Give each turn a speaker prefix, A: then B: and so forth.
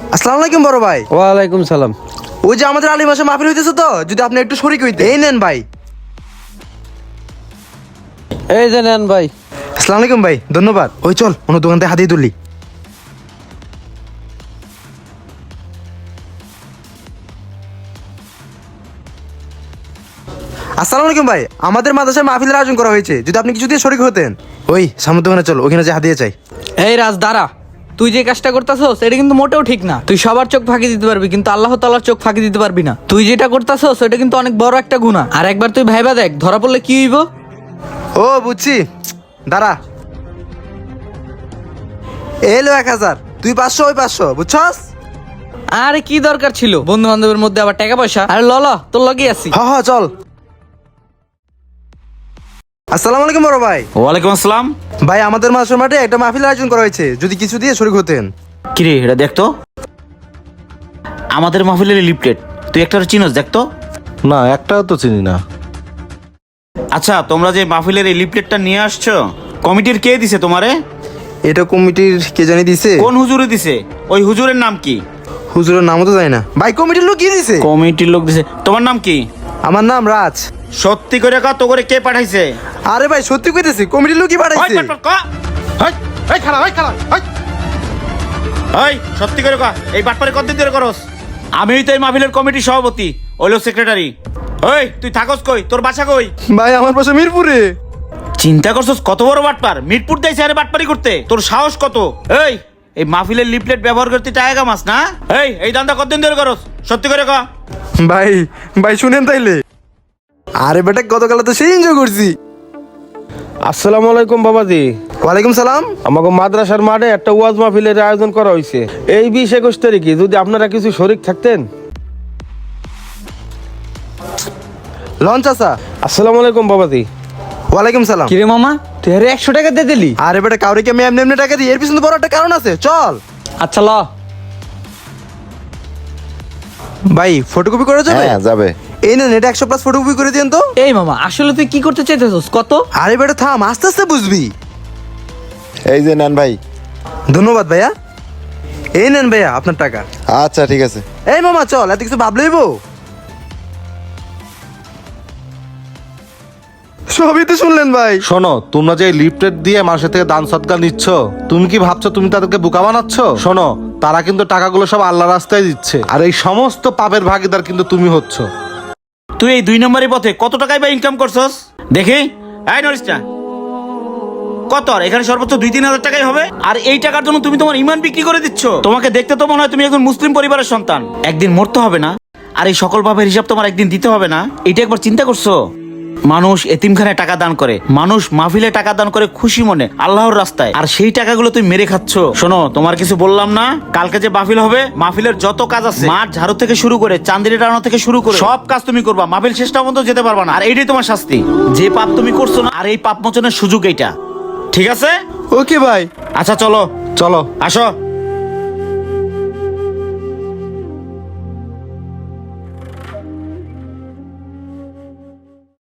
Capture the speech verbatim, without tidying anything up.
A: আসসালামু আলাইকুম বড় ভাই।
B: ওয়ালাইকুম সালাম।
A: ওই যে আমাদের আলী মাসে মাহফিল হইতেছে তো, যদি আপনি একটু শরীক হইতে। এই নেন ভাই।
B: এই যে নেন ভাই।
A: আসসালামু আলাইকুম ভাই, ধন্যবাদ। ওই চল অন্য দোকান থেকে হাতিয়ে তুলি। আসসালামু আলাইকুম ভাই, আমাদের মাদ্রাসায় মাহফিলের আয়োজন করা হয়েছে, যদি আপনি কিছু দিয়ে শরীক হতেন। ওই সামনের দোকানে চল, ওখানে যে হাতিয়ে চাই।
C: এই রাজ দাঁড়া, তুই যে কাজটা করতেছস এটা কিন্তু মোটেও ঠিক না। তুই সবার চোখ ফাঁকি দিতে পারবি কিন্তু আল্লাহ তাআলার চোখ ফাঁকি দিতে পারবি না। তুই যেটা করতেছস এটা কিন্তু অনেক বড় একটা গুনাহ। আর একবার তুই ভাইবা দেখ, ধরা পড়লে কি হইব।
A: ও বুঝছি, দাঁড়া। এলো এক হাজার, তুই পাঁচশো, ওই পাঁচশো, বুঝছস?
C: আরে কি দরকার ছিল বন্ধু বান্ধবের মধ্যে আবার টাকা পয়সা? আরে ল ল, তোর লগেই আছি।
A: হ হ চল। আসসালামু আলাইকুম বড় ভাই।
D: ওয়ালাইকুম আসসালাম।
A: ভাই আমাদের মাদ্রাসার মাঠে একটা মাহফিলের আয়োজন করা হয়েছে, যদি কিছু দিয়ে শরীক হতেন।
D: কিরে এটা দেখতো, আমাদের মাহফিলের লিফটেড, তুই একটা চিনোস দেখতো?
B: না, একটাও তো চিনি না।
D: আচ্ছা, তোমরা যে মাহফিলের এই লিফলেটটা নিয়ে আসছো, কমিটির কে দিছে তোমারে?
A: এটা কমিটির কে জানি দিছে।
D: কোন হুজুরে দিছে? ওই হুজুরের নাম কি?
A: হুজুরের নামও তো জানি না ভাই, কমিটির লোক কি দিছে।
D: কমিটির লোক দিছে। তোমার নাম কি?
A: আমার নাম রাজ।
D: সত্যি করে কা, তো করে কে পাঠাইছে?
A: আরে ভাই সত্যি কইতেছি, কমিটির লোকই
D: ওই
A: পাঠাইছে।
D: পাট পাট কা। ওই, ওই খালা, ওই খালা, ওই। ওই সত্যি করে কা, এই বাটপারে কতদিন ধরে করস? আমিই তো এই মাহফিলের কমিটির সভাপতি, ওইলো সেক্রেটারি। ওই তুই থাকস কই? তোর বাসা কই?
A: ভাই আমার পাশে মিরপুরে।
D: চিন্তা করছস কত বড় বাটপার, মিরপুর দেইছে আরে বাটপারি করতে? তোর সাহস কত? এই এই মাহফিলের লিফলেট ব্যবহার করতে টাকা কামাস না? এই এই দান্দা কতদিন ধরে করস? সত্যি করে ক।
A: ভাই ভাই শুনেন তাইলে। আরে বেটা গতকাল তো সেই এনজয় করছি।
B: আসসালামু আলাইকুম বাবাজি।
A: ওয়ালাইকুম সালাম।
B: আমাকে মাদ্রাসার মাঠে একটা ওয়াজ মাহফিলের আয়োজন করা হয়েছে এই বিশ একুশ তারিখে, যদি আপনারা কিছু শরিক থাকতেন।
A: লঞ্চ আসা।
B: আসসালামু আলাইকুম বাবাজি।
A: ওয়ালাইকুম সালাম।
C: কিরে মামা, তুই আরে একশো টাকা দিয়ে দিলি?
A: আরে বেটা কাউরে কি আমি এমনি এমনি টাকা দিই? এর পিছনে তো বড় একটা কারণ আছে, চল।
C: আচ্ছা ল।
A: ভাই ফটোকপি করে যাবে?
E: হ্যাঁ যাবে।
A: এই নেন, এটা একশো প্লাস ফটোকপি করে দিন তো।
C: এই মামা, আসলে তুই কি করতে চাইতেছস কত?
A: আরে বেটা থাম, আস্তে আস্তে বুঝবি।
E: এই যে নেন ভাই।
A: ধন্যবাদ ভাইয়া। এই নেন ভাইয়া আপনার টাকা।
E: আচ্ছা ঠিক আছে।
A: এই মামা চল, এত কিছু ভাবলেইব। সবই তো শুনলেন ভাই।
F: শোনো, তোমরা যে লিফটেড দিয়ে মানুষের থেকে দান সৎকার নিচ্ছ, তুমি কি ভাবছো তুমি তাদেরকে বোকা বানাচ্ছ? শোনো, তারা কিন্তু টাকাগুলো সব আল্লাহ রাস্তায় দিচ্ছে, আর এই সমস্ত পাপের ভাগীদার কিন্তু তুমি হচ্ছ।
D: তুই এই দুই নম্বরের পথে কত টাকাই বা ইনকাম করছস দেখি? এই নরিসটা কত? আর এখানে সর্বোচ্চ দুই তিন হাজার টাকাই হবে। আর এই টাকার জন্য তুমি তোমার ইমান বিক্রি করে দিচ্ছ। তোমাকে দেখতে তো মনে হয় তুমি একজন মুসলিম পরিবারের সন্তান। একদিন মরতে হবে না? আর এই সকল পাপের হিসাব তোমার একদিন দিতে হবে না? এটা একবার চিন্তা করছো? মানুষ এতিমখানায় টাকা দান করে, মানুষ মাহফিলে টাকা দান করে খুশি মনে আল্লাহর রাস্তায়, আর সেই টাকাগুলো তুমি মেরে খাচ্ছ। শোনো, তোমার কিছু বললাম না? কালকে যে মাহফিল হবে, মাহফিলের যত কাজ আছে, মাঠ ঝাড়ু থেকে শুরু করে চান্দিরি টানো থেকে শুরু করে সব কাজ তুমি করবা। মাহফিল শেষটা পর্যন্ত যেতে পারবা না, আর এইটাই তোমার শাস্তি। যে পাপ তুমি করছো না, আর এই পাপ মোচনের সুযোগ এইটা। ঠিক আছে?
A: ওকে ভাই।
D: আচ্ছা চলো
F: চলো।
D: আসো।